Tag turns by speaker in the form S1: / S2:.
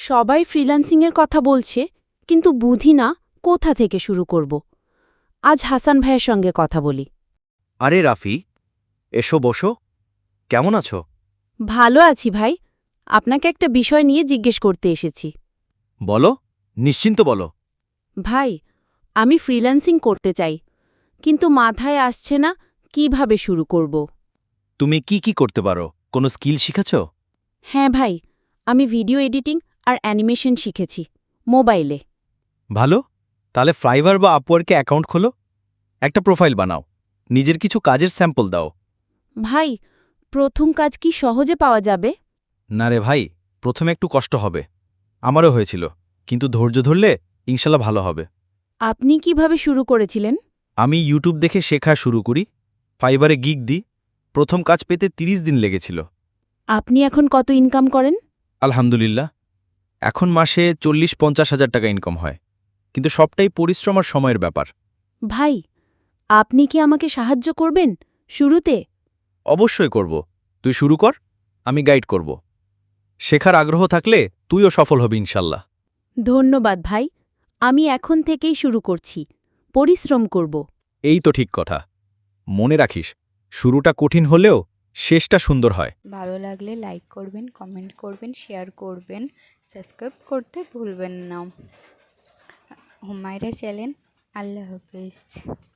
S1: সবাই ফ্রিল্যান্সিংয়ের কথা বলছে, কিন্তু বুঝি না কোথা থেকে শুরু করব। আজ হাসান ভাইয়ের সঙ্গে কথা বলি।
S2: আরে রাফি, এসো বসো। কেমন আছো?
S1: ভালো আছি ভাই। আপনাকে একটা বিষয় নিয়ে জিজ্ঞেস করতে এসেছি।
S2: বলো, নিশ্চিন্ত বলো।
S1: ভাই, আমি ফ্রিল্যান্সিং করতে চাই, কিন্তু মাথায় আসছে না কিভাবে শুরু করব।
S2: তুমি কি করতে পারো? কোনো স্কিল শিখেছ?
S1: হ্যাঁ ভাই, আমি ভিডিও এডিটিং আর অ্যানিমেশন শিখেছি মোবাইলে।
S2: ভালো, তাহলে ফ্রাইভার বা আপওয়ার্কে অ্যাকাউন্ট খোলো। একটা প্রোফাইল বানাও, নিজের কিছু কাজের স্যাম্পল দাও।
S1: ভাই, প্রথম কাজ কি সহজে পাওয়া যাবে?
S2: না রে ভাই, প্রথমে একটু কষ্ট হবে। আমারও হয়েছিল, কিন্তু ধৈর্য ধরলে ইনশাল্লাহ ভালো হবে।
S1: আপনি কিভাবে শুরু করেছিলেন?
S2: আমি ইউটিউব দেখে শেখা শুরু করি, ফাইবারে গিগ দিই। প্রথম কাজ পেতে ৩০ দিন লেগেছিল।
S1: আপনি এখন কত ইনকাম করেন?
S2: আলহামদুলিল্লাহ, এখন মাসে ৪০-৫০ হাজার টাকা ইনকাম হয়, কিন্তু সবটাই পরিশ্রম আর সময়ের ব্যাপার।
S1: ভাই, আপনি কি আমাকে সাহায্য করবেন শুরুতে?
S2: অবশ্যই করব। তুই শুরু কর, আমি গাইড করব। শেখার আগ্রহ থাকলে তুইও সফল হবি ইনশাল্লাহ।
S1: ধন্যবাদ ভাই। আমি এখন থেকেই শুরু করছি, পরিশ্রম করব।
S2: এই তো ঠিক কথা। মনে রাখিস, শুরুটা কঠিন হলেও শেষটা সুন্দর হয়।
S3: ভালো লাগলে লাইক করবেন, কমেন্ট করবেন, শেয়ার করবেন, সাবস্ক্রাইব করতে ভুলবেন না। হুমায়রা চ্যানেল। আল্লাহ হাফেজ।